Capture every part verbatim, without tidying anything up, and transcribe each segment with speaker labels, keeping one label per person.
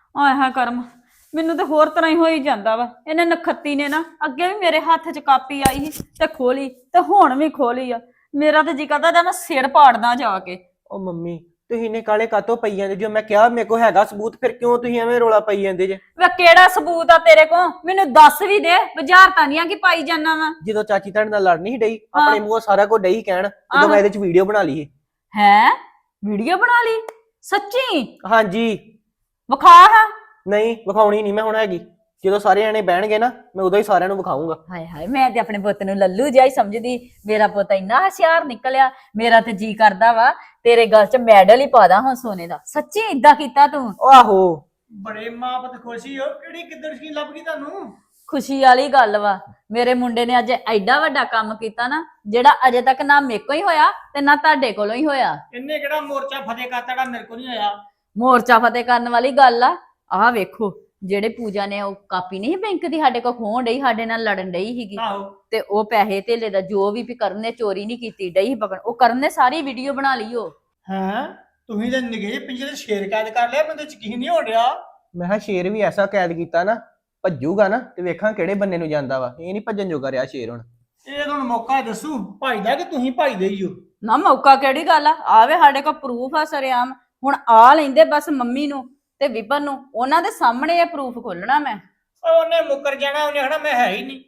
Speaker 1: ਆਏ ਹਾਏ ਕਰਮ, ਮੈਨੂੰ ਤੇ ਹੋਰ ਤਰ੍ਹਾਂ ਹੀ ਹੋਈ ਜਾਂਦਾ ਵਾ। ਇਹਨੇ ਨਖੱਤੀ ਨੇ ਨਾ ਅੱਗੇ ਵੀ ਮੇਰੇ ਹੱਥ 'ਚ ਕਾਪੀ ਆਈ ਸੀ ਤੇ ਖੋਲੀ ਤੇ ਹੁਣ ਵੀ ਖੋਲੀ ਆ। ਮੇਰਾ ਤੇ ਜੀ ਕਰਦਾ ਜਾਂ ਮੈਂ ਸਿਰ ਪਾੜਦਾ ਜਾ ਕੇ।
Speaker 2: ਉਹ ਮੰਮੀ ਤੁਸੀਂ ਨੇ ਕਾਲੇ ਕਾਤੋਂ ਪਈ ਜਾਂਦੇ? ਜੋ ਮੈਂ ਕਿਹਾ ਮੇਰੇ ਕੋਲ ਹੈਗਾ ਸਬੂਤ, ਫਿਰ ਕਿਉਂ ਤੁਸੀਂ ਐਵੇਂ ਰੋਲਾ ਪਾਈ ਜਾਂਦੇ ਜੇ?
Speaker 1: ਵੇ ਕਿਹੜਾ ਸਬੂਤ ਆ ਤੇਰੇ ਕੋਲ? ਮੈਨੂੰ ਦੱਸ ਵੀ ਦੇ। ਬਾਜ਼ਾਰ ਤਾਂ ਨਹੀਂ ਆ ਕਿ ਪਾਈ ਜਾਨਾ ਵਾ।
Speaker 2: ਜਦੋਂ ਚਾਚੀ ਤੁਹਾਡੇ ਨਾਲ ਲੜ ਨਹੀਂ ਸੀ ਡਈ,
Speaker 1: ਹਾਂ
Speaker 2: ਆਪਣੇ ਮੂੰਹੋਂ ਸਾਰਾ ਕੁਝ ਡਈ ਕਹਿਣ, ਜਦੋਂ
Speaker 1: ਆਹੋ
Speaker 2: ਮੈਂ ਇਹਦੇ ਚ ਵੀਡੀਓ ਬਣਾ ਲਈ ਸੀ।
Speaker 1: ਹੈ ਵੀਡੀਓ ਬਣਾ ਲਈ? ਸੱਚੀ?
Speaker 2: ਹਾਂਜੀ।
Speaker 1: ਵਿਖਾ ਹਾਂ।
Speaker 2: ਨਹੀਂ ਵਿਖਾਉਣੀ ਨਹੀਂ ਮੈਂ ਹੁਣ ਹੈਗੀ। ਜਦੋਂ ਸਾਰੇ ਜਾਣੇ ਬਹਿਣਗੇ ਨਾ ਮੈਂ ਉਦੋਂ ਹੀ ਸਾਰਿਆਂ ਨੂੰ ਵਿਖਾਊਂਗਾ।
Speaker 1: ਹਾਏ ਹਾਏ, ਮੈਂ ਤੇ ਆਪਣੇ ਪੁੱਤ ਨੂੰ ਲੱਲੂ ਜਿਹਾ ਹੀ ਸਮਝਦੀ। ਮੇਰਾ ਪੁੱਤ ਇੰਨਾ ਹੁਸ਼ਿਆਰ ਨਿਕਲਿਆ। ਮੇਰਾ ਤੇ ਜੀ ਕਰਦਾ ਵਾ ਤੇਰੇ ਗਲ 'ਚ ਮੈਡਲ ਹੀ ਪਾ ਦਾਂ ਹੁਣ ਸੋਨੇ ਦਾ। ਸੱਚੀ ਇਦਾਂ ਕੀਤਾ ਤੂੰ?
Speaker 2: ਉਹ ਆਹੋ।
Speaker 3: ਬੜੇ ਮਾਂ ਪੁੱਤ ਖੁਸ਼ੀ ਹੋ। ਕਿਹੜੀ ਕਿੱਦਣ ਸਕੀਮ ਲੱਭ ਗਈ ਤੁਹਾਨੂੰ?
Speaker 1: ਖੁਸ਼ੀ ਵਾਲੀ ਗੱਲ ਵਾ। ਮੇਰੇ ਮੁੰਡੇ ਨੇ ਅੱਜ ਐਡਾ ਵੱਡਾ ਕੰਮ ਕੀਤਾ ਨਾ, ਜਿਹੜਾ ਅਜੇ ਤੱਕ ਨਾ ਮੇਰੇ ਕੋਲ ਹੀ ਹੋਇਆ ਤੇ ਨਾ ਤੁਹਾਡੇ ਕੋਲੋਂ ਹੀ ਹੋਇਆ।
Speaker 3: ਇਹਨੇ ਕਿਹੜਾ ਮੋਰਚਾ ਫਤਿਹ ਕਰਤਾ ਜਿਹੜਾ ਮੇਰੇ ਕੋਲ ਨਹੀਂ ਹੋਇਆ?
Speaker 1: ਮੋਰਚਾ ਫਤਿਹ ਕਰਨ ਵਾਲੀ ਗੱਲ ਆ। ਆਹ ਵੇਖੋ, ਜਿਹੜੇ ਪੂਜਾ ਨੇ ਉਹ ਕਾਪੀ ਨਹੀਂ ਬੈਂਕ ਦੀ ਸਾਡੇ ਕੋਲ ਖੋਹਣ ਡਈ, ਸਾਡੇ ਨਾਲ ਲੜਨ ਡਈ ਸੀਗੀ,
Speaker 3: ਆਹੋ।
Speaker 1: ਤੇ ਉਹ ਪੈਸੇ ਧੇਲੇ ਦਾ ਜੋ ਵੀ ਵੀ ਕਰਨ ਨੇ ਚੋਰੀ ਨਹੀਂ ਕੀਤੀ, ਡਈ ਪਕੜ। ਉਹ ਕਰਨ ਨੇ ਸਾਰੀ ਵੀਡੀਓ ਬਣਾ ਲਈ। ਉਹ
Speaker 3: ਹੈਂ, ਤੁਸੀਂ ਤੇ ਨਿਗੇ ਜਿਹੇ ਪਿੰਜਰੇ 'ਚ ਸ਼ੇਰ ਕੈਦ ਕਰ ਲਿਆ। ਮੈਨੂੰ ਤਾਂ ਯਕੀਨ ਨਹੀਂ ਹੋ ਰਿਹਾ।
Speaker 2: ਮੈਂ ਕਿਹਾ ਸ਼ੇਰ ਵੀ ਐਸਾ ਕੈਦ ਕੀਤਾ ਨਾ, ਭੱਜੂਗਾ ਨਾ ਤੇ ਵੇਖਾਂ ਕਿਹੜੇ ਬੰਨੇ ਨੂੰ ਜਾਂਦਾ ਵਾ। ਇਹ ਨਹੀਂ ਭੱਜਣ ਜੋਗਾ ਰਿਹਾ ਸ਼ੇਰ ਹੁਣ।
Speaker 3: ਇਹ ਤੁਹਾਨੂੰ ਮੌਕਾ ਦੱਸੂ ਭਾਈਦਾ ਕਿ ਤੁਸੀਂ ਭਾਈਦੇ ਹੀ ਹੋ?
Speaker 1: ਨਾ ਮੌਕਾ ਕਿਹੜੀ ਗੱਲ ਆ? ਆਵੇ ਸਾਡੇ ਕੋਲ ਪ੍ਰੂਫ ਆ ਸਰੇਆਮ। ਹੁਣ ਆ ਲੈਂਦੇ ਬਸ ਮੰਮੀ ਨੂੰ ਤੇ ਵਿਪਨ ਨੂੰ, ਉਹਨਾਂ ਦੇ ਸਾਹਮਣੇ ਇਹ ਪ੍ਰੂਫ ਖੋਲਣਾ ਮੈਂ।
Speaker 3: ਉਹਨੇ ਮੁੱਕਰ ਜਾਣਾ, ਉਹਨੇ ਕਹਣਾ ਮੈਂ ਹੈ ਹੀ ਨਹੀਂ।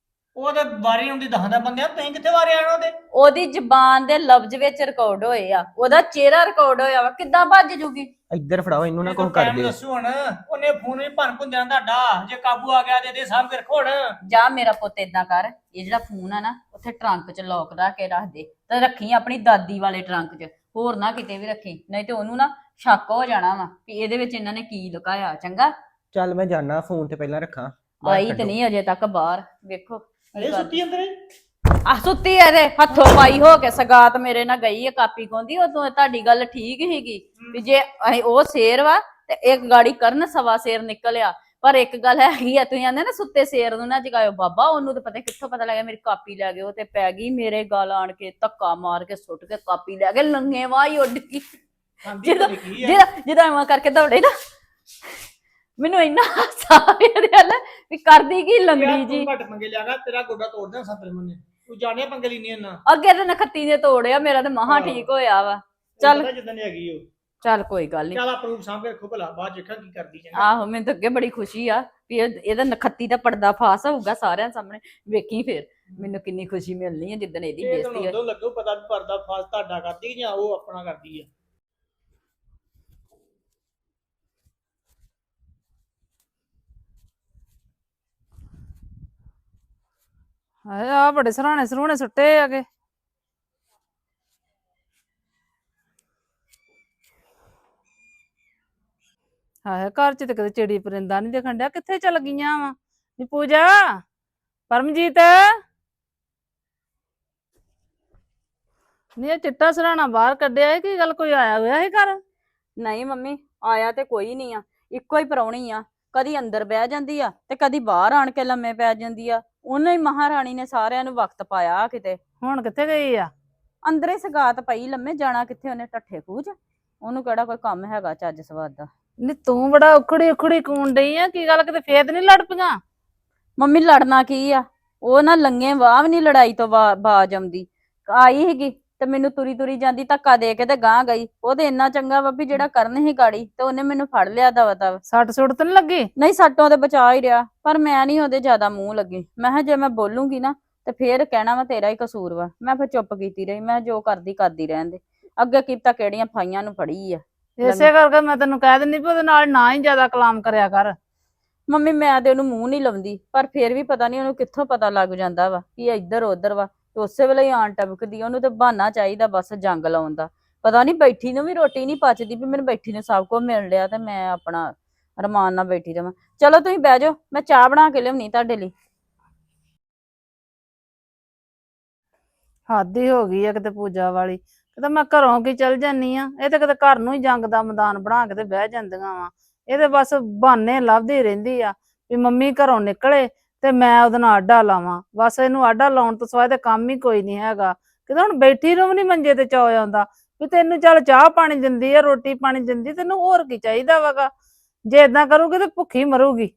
Speaker 3: ਉਹ ਤੇ ਵਾਰੀ ਹੁੰਦੀ ਦਸਾਂ ਬੰਦਿਆਂ, ਤੁਸੀਂ ਕਿੱਥੇ ਵਾਰੇ ਆਣਾ ਉਹਦੇ?
Speaker 1: ਉਹਦੀ ਜ਼ਬਾਨ ਦੇ ਲਫ਼ਜ਼ ਵਿੱਚ ਰਿਕਾਰਡ ਹੋਏ ਆ, ਉਹਦਾ ਚਿਹਰਾ ਰਿਕਾਰਡ ਹੋਇਆ ਵਾ। ਕਿੱਦਾਂ ਭੱਜ ਜੂਗੀ?
Speaker 2: ਇੱਧਰ ਫੜਾਓ ਇਹਨੂੰ, ਨਾ ਕੁਝ ਕਰ
Speaker 3: ਟਾਈਮ
Speaker 2: ਦਿਓ।
Speaker 3: ਦੱਸੂ ਹੁਣ। ਉਹਨੇ ਫੋਨ ਵੀ ਭੰਨ ਭੁੰਨ ਜਾਣਾ ਤੁਹਾਡਾ। ਜੇ ਕਾਬੂ ਆ ਗਿਆ ਤੇ ਇਹਦੇ ਸਾਹਮਣੇ ਰੱਖੋ ਹੁਣ।
Speaker 1: ਜਾ ਮੇਰਾ ਪੁੱਤ ਏਦਾਂ ਕਰ, ਇਹ ਜਿਹੜਾ ਫੋਨ ਆ ਨਾ ਉੱਥੇ ਟਰੰਕ 'ਚ ਲੋਕ ਰੱਖ ਕੇ ਰੱਖ ਦੇ, ਤੇ ਰੱਖੀ ਆਪਣੀ ਦਾਦੀ ਵਾਲੇ ਟਰੰਕ 'ਚ, ਹੋਰ ਨਾ ਕਿਤੇ ਵੀ ਰੱਖੀ, ਨਹੀਂ ਤੇ ਉਹਨੂੰ ਨਾ ਸ਼ੱਕ ਹੋ ਜਾਣਾ ਵਾ ਵੀ ਇਹਦੇ ਵਿੱਚ ਇਹਨਾਂ ਨੇ ਕੀ ਲੁਕਾਇਆ। ਚੰਗਾ
Speaker 2: ਚੱਲ ਮੈਂ ਜਾਣਾ, ਫੋਨ ਤੇ ਪਹਿਲਾਂ ਰੱਖਾਂ।
Speaker 1: ਆਈ ਤੇ ਨਹੀਂ ਅਜੇ ਤੱਕ ਬਾਹਰ। ਵੇਖੋ
Speaker 3: ਇਹ ਸੁੱਤੀ ਅੰਦਰ ਹੀ?
Speaker 1: ਆ ਸੁੱਤੀ ਇਹਦੇ ਹੱਥੋਂ ਪਾਈ ਹੋ ਕੇ ਸਗਾਤ ਮੇਰੇ ਨਾਲ ਗਈ ਹੈ ਕਾਪੀ ਪਾਉਂਦੀ। ਉਹ ਤੋਂ ਤੁਹਾਡੀ ਗੱਲ ਠੀਕ ਹੀਗੀ ਵੀ ਜੇ ਅਸੀਂ ਉਹ ਸ਼ੇਰ ਵਾ ਤੇ ਇੱਕ ਗਾੜੀ ਕਰਨ ਸਵਾ ਸ਼ੇਰ ਨਿਕਲਿਆ। ਪਰ ਇੱਕ ਗੱਲ ਹੈਗੀ ਆ, ਤੁਸੀਂ ਆਂਦੇ ਨਾ ਸੁੱਤੇ ਸ਼ੇਰ ਨੂੰ ਨਾ ਜਗਾਇਓ। ਬਾਬਾ ਉਹਨੂੰ ਤਾਂ ਪਤਾ ਕਿੱਥੋਂ ਪਤਾ ਲੱਗਿਆ ਮੇਰੀ ਕਾਪੀ ਲੈ ਗਏ। ਉਹ ਤੇ ਪੈ ਗਈ ਮੇਰੇ ਗਲ ਆਣ ਕੇ, ਧੱਕਾ ਮਾਰ ਕੇ ਸੁੱਟ ਕੇ ਕਾਪੀ ਲੈ ਗਏ। ਲੰਗੇ ਵਾਹ ਹੀ ਉੱਡ ਗਈ। ਜਿਹਦਾ ਜਿਹਦਾ ਜਿਹਦਾ ਐਵੇਂ ਕਰਕੇ ਦੌੜੇ ਨਾ, ਮੈਨੂੰ ਇੰਨਾ ਹਾਸਾ ਆਇਆ ਵੀ ਕਰਦੀ ਕੀ ਲੰਗੜੀ ਜੀ।
Speaker 3: ਘੱਟ ਪੰਗੇ ਲਿਆਗਾ, ਤੇਰਾ ਗੋਡਾ ਤੋੜ ਦੇਣਾ ਸੰਤਰੇ ਮੰਨੇ। ਤੂੰ ਜਾਣਿਆ ਪੰਗੇ ਲੈਣੀ ਇਹਨਾਂ?
Speaker 1: ਅੱਗੇ ਤੇ ਨਖੱਤੀ ਨੇ ਤੋੜਿਆ, ਮੇਰਾ ਤੇ ਮਹਾ ਠੀਕ ਹੋਇਆ ਵਾ। ਚੱਲ
Speaker 3: ਜਿੱਦਾਂ ਦੀ ਹੈਗੀ ਉਹ।
Speaker 1: ਚੱਲ ਕੋਈ ਗੱਲ ਨਹੀਂ।
Speaker 3: ਚੱਲ ਪ੍ਰੂਫ ਸਾਂਭ ਕੇ ਰੱਖੋ ਭਲਾ, ਬਾਅਦ ਦੇਖਾਂ ਕੀ ਕਰਦੀ ਚੰਗਾ।
Speaker 1: ਆਹੋ, ਮੈਨੂੰ ਤਾਂ ਅੱਗੇ ਬੜੀ ਖੁਸ਼ੀ ਆ ਵੀ ਇਹਦਾ ਨਖੱਤੀ ਦਾ ਪਰਦਾ ਫਾਸ ਹੋਊਗਾ ਸਾਰਿਆਂ ਸਾਹਮਣੇ। ਵੇਖੀ ਫਿਰ ਮੈਨੂੰ ਕਿੰਨੀ ਖੁਸ਼ੀ ਮਿਲਣੀ ਹੈ ਜਿੱਦਣ ਇਹਦੀ
Speaker 3: ਇਹ
Speaker 1: ਬੇਇੱਜ਼ਤੀ
Speaker 3: ਤੁਹਾਨੂੰ
Speaker 1: ਹੈ।
Speaker 3: ਉਦੋਂ ਲੱਗੂ ਪਤਾ ਵੀ ਪਰਦਾ ਫਾਸ ਤੁਹਾਡਾ ਕਰਦੀ ਜਾਂ ਉਹ ਆਪਣਾ ਕਰਦੀ ਆ।
Speaker 4: ਹਾਏ ਆ ਬੜੇ ਸਰਾਣੇ ਸਰੂਣੇ ਸੁੱਟੇ ਆਗੇ। ਹਾਏ ਘਰ ਚ ਤੇ ਕਦੇ ਚਿੜੀ ਪਰਿੰਦਾ ਨਹੀਂ ਦੇਖਣ ਡਿਆ। ਕਿੱਥੇ ਚਲ ਗਈਆਂ ਵਾ ਨੀ ਪੂਜਾ, ਪਰਮਜੀਤ? ਨੀ ਇਹ ਚਿੱਟਾ ਸਰਾਣਾ ਬਾਹਰ ਕੱਢਿਆ ਹੈ, ਕੀ ਗੱਲ ਕੋਈ ਆਇਆ ਹੋਇਆ ਹੈ ਘਰ?
Speaker 1: ਨਹੀਂ ਮੰਮੀ, ਆਇਆ ਤੇ ਕੋਈ ਨਹੀਂ ਆ। ਇੱਕੋ ਹੀ ਪ੍ਰਾਹੁਣੀ ਆ, ਕਦੀ ਅੰਦਰ ਬਹਿ ਜਾਂਦੀ ਆ ਤੇ ਕਦੀ ਬਾਹਰ ਆਣ ਕੇ ਲੰਮੇ ਪੈ ਜਾਂਦੀ ਆ। ਉਹਨੇ ਹੀ ਮਹਾਰਾਣੀ ਨੇ ਸਾਰਿਆਂ ਨੂੰ ਵਕਤ ਪਾਇਆ ਕਿਤੇ।
Speaker 4: ਹੁਣ ਕਿੱਥੇ ਗਈ ਆ?
Speaker 1: ਅੰਦਰੇ ਸਗਾਤ ਪਈ ਲੰਮੇ, ਜਾਣਾ ਕਿੱਥੇ ਉਹਨੇ? ਟੱਠੇ ਖੂਜ। ਉਹਨੂੰ ਕਿਹੜਾ ਕੋਈ ਕੰਮ ਹੈਗਾ ਚੱਜ ਸਵਾਦ ਦਾ।
Speaker 4: ਨੀ ਤੂੰ ਬੜਾ ਉਖੜੀ ਉਖੜੀ ਕੂਣ ਡਈ ਆ, ਕੀ ਗੱਲ ਕਿਤੇ ਫੇਰ ਨਹੀਂ ਲੜ ਪਈਆਂ?
Speaker 1: ਮੰਮੀ ਲੜਨਾ ਕੀ ਆ? ਉਹ ਨਾ ਲੰਗੇ ਵਾਹ ਵੀ ਨੀ ਲੜਾਈ ਤੋਂ ਬਾਜ ਆਉਂਦੀ। ਆਈ ਸੀਗੀ ਤੇ ਮੈਨੂੰ ਤੁਰੀ ਤੁਰੀ ਜਾਂਦੀ ਧੱਕਾ ਦੇ ਕੇ ਤੇ ਗਾਂ ਗਈ। ਉਹ ਤੇ ਇੰਨਾ ਚੰਗਾ ਵਾ ਵੀ ਜਿਹੜਾ ਕਰਨ ਸੀ ਗਾੜੀ ਤੇ ਉਹਨੇ ਮੈਨੂੰ ਫੜ ਲਿਆ ਦਵਾ ਦਵ।
Speaker 4: ਸੱਟ ਸੁੱਟ ਤਾਂ ਨੀ ਲੱਗੀ?
Speaker 1: ਨਹੀਂ, ਸੱਟੋਂ ਤੇ ਬਚਾ ਹੀ ਰਿਹਾ, ਪਰ ਮੈਂ ਨਹੀਂ ਉਹਦੇ ਜ਼ਿਆਦਾ ਮੂੰਹ ਲੱਗੀ। ਮੈਂ ਕਿਹਾ ਜੇ ਮੈਂ ਬੋਲੂੰਗੀ ਨਾ ਤੇ ਫੇਰ ਕਹਿਣਾ ਵਾ ਤੇਰਾ ਹੀ ਕਸੂਰ ਵਾ। ਮੈਂ ਫਿਰ ਚੁੱਪ ਕੀਤੀ ਰਹੀ। ਮੈਂ ਜੋ ਕਰਦੀ ਕਰਦੀ ਰਹਿਣ ਦੇ। ਅੱਗੇ ਕੀਤਾ ਕਿਹੜੀਆਂ ਫਾਈਆਂ ਨੂੰ ਫੜੀ ਆ।
Speaker 4: ਇਸੇ ਕਰਕੇ ਮੈਂ ਤੈਨੂੰ ਕਹਿ ਦਿੰਦੀ ਵੀ ਉਹਦੇ ਨਾਲ ਨਾ ਹੀ ਜ਼ਿਆਦਾ ਕਲਾਮ ਕਰਿਆ ਕਰ।
Speaker 1: ਮੰਮੀ ਮੈਂ ਤੇ ਉਹਨੂੰ ਮੂੰਹ ਨਹੀਂ ਲਾਉਂਦੀ, ਪਰ ਫੇਰ ਵੀ ਪਤਾ ਨਹੀਂ ਉਹਨੂੰ ਕਿੱਥੋਂ ਪਤਾ ਲੱਗ ਜਾਂਦਾ ਵਾ ਕਿ ਇੱਧਰ ਉੱਧਰ ਵਾ ਤੇ ਉਸੇ ਵੇਲੇ ਹੀ ਆਣ ਟਪਕਦੀ। ਉਹਨੂੰ ਤੇ ਬਹਾਨਾ ਚਾਹੀਦਾ ਬਸ ਜੰਗ ਲਾਉਣ ਦਾ। ਪਤਾ ਨਹੀਂ ਬੈਠੀ ਨੂੰ ਵੀ ਰੋਟੀ ਨਹੀਂ ਪਚਦੀ ਵੀ ਮੈਨੂੰ ਬੈਠੀ ਨੂੰ ਸਭ ਕੁਝ ਮਿਲ ਲਿਆ ਤੇ ਮੈਂ ਆਪਣਾ ਰਮਾਨ ਨਾਲ ਬੈਠੀ ਰਵਾਂ। ਚਲੋ ਤੁਸੀਂ ਬਹਿ ਜਾਓ, ਮੈਂ ਚਾਹ ਬਣਾ ਕੇ ਲਿਆਉਣੀ ਤੁਹਾਡੇ ਲਈ।
Speaker 4: ਹੱਦ ਹੀ ਹੋ ਗਈ ਆ ਕਿਤੇ ਪੂਜਾ ਵਾਲੀ। ਕਿਤੇ ਮੈਂ ਘਰੋਂ ਕੀ ਚਲ ਜਾਨੀ ਆ, ਇਹ ਤੇ ਕਿਤੇ ਘਰ ਨੂੰ ਹੀ ਜੰਗ ਦਾ ਮੈਦਾਨ ਬਣਾ ਕੇ ਤੇ ਬਹਿ ਜਾਂਦੀਆਂ ਵਾ। ਇਹ ਤੇ ਬਸ ਬਹਾਨੇ ਲੱਭਦੀ ਰਹਿੰਦੀ ਆ ਵੀ ਮੰਮੀ ਘਰੋਂ ਨਿਕਲੇ ਤੇ ਮੈਂ ਉਹਦੇ ਨਾਲ ਆਡਾ ਲਾਵਾਂ। ਬਸ ਇਹਨੂੰ ਆਡਾ ਲਾਉਣ ਤੋਂ ਸਿਵਾਏ ਤੇ ਕੰਮ ਹੀ ਕੋਈ ਨਹੀਂ ਹੈਗਾ। ਕਿਤੇ ਹੁਣ ਬੈਠੀ ਨੂੰ ਵੀ ਨੀ ਮੰਜੇ ਤੇ ਚੌ ਆਉਂਦਾ ਵੀ ਤੈਨੂੰ ਚੱਲ ਚਾਹ ਪਾਣੀ ਦਿੰਦੀ ਆ, ਰੋਟੀ ਪਾਣੀ ਦਿੰਦੀ, ਤੈਨੂੰ ਹੋਰ ਕੀ ਚਾਹੀਦਾ ਵਾਗਾ? ਜੇ ਇਦਾਂ ਕਰੂਗੀ ਤੇ ਭੁੱਖੀ ਮਰੂਗੀ।